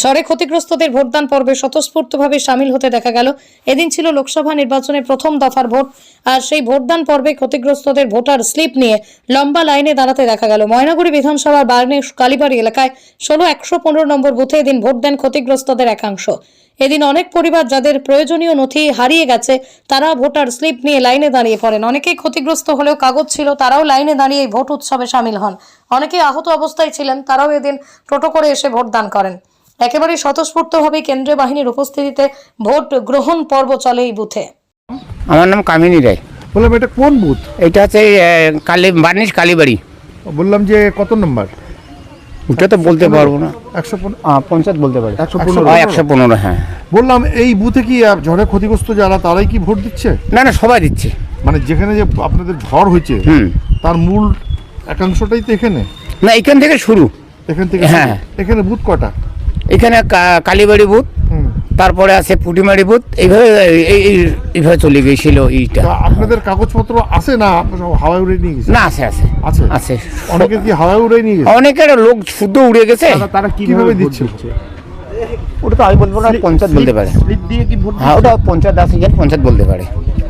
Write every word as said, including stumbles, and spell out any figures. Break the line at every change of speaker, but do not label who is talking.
ঝড়ে ক্ষতিগ্রস্তদের ভোটদান পর্বে স্বতঃস্ফূর্তভাবে সামিল হতে দেখা গেল। এদিন ছিল লোকসভা নির্বাচনের প্রথম দফার ভোট, আর সেই ভোটদান পর্বে ক্ষতিগ্রস্তদের ভোটার স্লিপ নিয়ে লম্বা লাইনে দাঁড়াতে দেখা গেল। ময়নাগুড়ি বিধানসভার বার্নে কালীবাড়ি এলাকায় ষোলো একশো পনেরো নম্বর বুথে এদিন ভোট দেন ক্ষতিগ্রস্তদের একাংশ। এদিন অনেক পরিবার যাদের প্রয়োজনীয় নথি হারিয়ে গেছে তারা ভোটার স্লিপ নিয়ে লাইনে দাঁড়িয়ে পড়েন। অনেকেই ক্ষতিগ্রস্ত হলেও কাগজ ছিল, তারাও লাইনে দাঁড়িয়ে ভোট উৎসবে সামিল হন। অনেকেই আহত অবস্থায় ছিলেন, তারাও এদিন টোটো করে এসে ভোট দান করেন। একেবারে স্বতঃস্ফূর্তভাবে কেন্দ্রীয় বাহিনীর উপস্থিতিতে ভোট গ্রহণ পর্ব চলে এই বুথে।
আমার নাম কামিনী রায়।
বললাম এটা কোন বুথ?
এটা হচ্ছে কালী বার্নিশ কালীবাড়ি।
বললাম যে কত নম্বর?
ওটা তো বলতে পারবো না,
একশো
পঞ্চায়েত বলতে পারি।
একশো পনেরো।
একশো পনেরো হ্যাঁ।
বললাম এই বুথে কি আহ, ঝড়ে ক্ষতিগ্রস্ত যারা তারাই কি ভোট দিচ্ছে?
না না, সবাই দিচ্ছে।
মানে যেখানে যে আপনাদের ঝড় হয়েছে
হুম।
তার মূল একাংশটাই তো এখানে,
না এখান থেকে শুরু।
এখান থেকে
হ্যাঁ।
এখানে বুথ কটা?
এখানে কা- কালীবাড়ি বুথ,
হুম।
তারপরে আছে পুটিমারি বুথ। এইভাবে এই- এই- এইভাবে চলে গিয়েছিল এইটা।
তা আপনাদের কাগজপত্র আছে না সব হাওয়ায় উড়ে নিয়ে গেছে?
না আছে আছে
আছে
আছে।
অনেকে কি হাওয়ায় উড়ে নিয়ে গেছে?
অনেকের লোক শুদ্ধ উড়ে গেছে।
তারা কিভাবে দিচ্ছে?
ওটা তো আমি বলবো না, পঞ্চায়েত বলতে পারে।
স্লিপ দিয়ে কি ভোট
হ্যাঁ, ওটা পঞ্চায়েত আছে, পঞ্চায়েত বলতে পারে।